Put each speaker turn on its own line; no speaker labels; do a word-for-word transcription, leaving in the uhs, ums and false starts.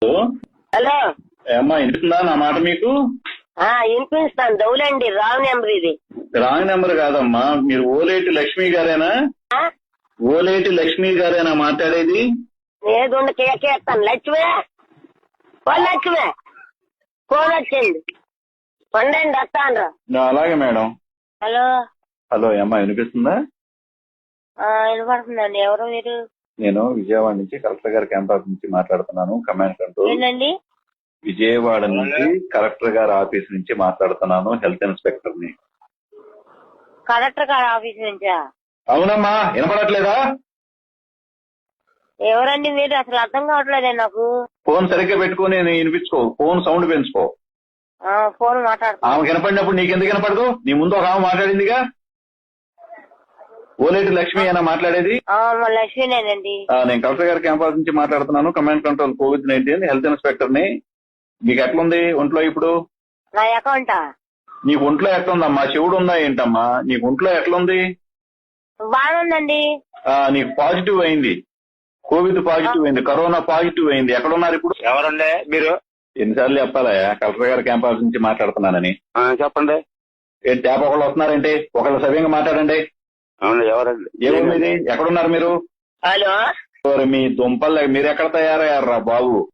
Hello
ఏమ్మా వినిపిస్తుందా నా మాట మీకు?
ఆ వినిపిస్తాను. దౌలండి రాంగ్ నెంబర్ ఇది.
రాంగ్ నెంబర్ కాదమ్మా, మీరు ఓలేటి లక్ష్మి గారేనా?
ఆ?
ఓలేటి లక్ష్మి గారేనా మాట్లాడేది?
ఏదుండ కేకేస్తాను. లక్ష్మే ఓ లక్ష్మే ఫోన్ వచ్చింది. పండండి వస్తాను.
అలాగే మేడం.
హలో
హలో ఏమ్మా వినిపిస్తుందా?
ఆ వినపడుతుందండి. ఎవరు మీరు?
నేను విజయవాడ నుంచి కలెక్టర్ గారి క్యాంపస్ నుంచి మాట్లాడుతున్నాను. Command control.
ఏంటండి?
విజయవాడ నుంచి కలెక్టర్ గారి ఆఫీస్ నుంచి మాట్లాడుతున్నాను. హెల్త్ ఇన్స్పెక్టర్ ని.
కలెక్టర్ గారి ఆఫీస్ నుంచా?
అవునమ్మా, వినపడట్లేదా?
ఎవరండి మీరు? అసలు అర్థం కావట్లేదే నాకు.
ఫోన్ సరిగ్గా పెట్టుకుని వినిపించుకో. ఫోన్ సౌండ్ పెంచుకో.
ఆ ఫోన్ మాట్లాడుతున్నా.
ఆమె వినపడినప్పుడు నీకెందుకు వినపడదు? నీ ముందు ఒక ఆమె మాట్లాడిందిగా. ఓలేటి లక్ష్మి అయినా మాట్లాడేది?
ఆ మా లక్ష్మీనేనండి.
నేను కలెక్టర్ గారి క్యాంపస్ నుంచి మాట్లాడుతున్నాను. Command control covid nineteen health inspector ని. మీకు ఎట్లుంది ఒంట్లో ఇప్పుడు?
నా అకౌంటా?
నీకు ఒంట్లో ఎట్లుందమ్మా? చెవుడు ఉందా ఏంటమ్మా? నీకు ఒంట్లో ఎట్లుంది?
బాగుందండి.
నీకు పాజిటివ్ అయింది. కోవిడ్ పాజిటివ్ అయింది. కరోనా పాజిటివ్ అయింది. ఎక్కడున్నారు ఇప్పుడు?
ఎవరండి మీరు?
ఎన్నిసార్లు చెప్పాలా కలెక్టర్ గారి క్యాంపస్ నుంచి మాట్లాడుతున్నానని?
చెప్పండి.
ఏంటి ట్యాప్ ఒకళ్ళు వస్తున్నారంటే ఒకళ్ళు సవ్యంగా మాట్లాడండి.
అవును ఎవరండి?
ఏమో మీది? ఎక్కడున్నారు మీరు?
హలో
మీ దుంపల్ మీరు ఎక్కడ తయారయ్యారా బాబు?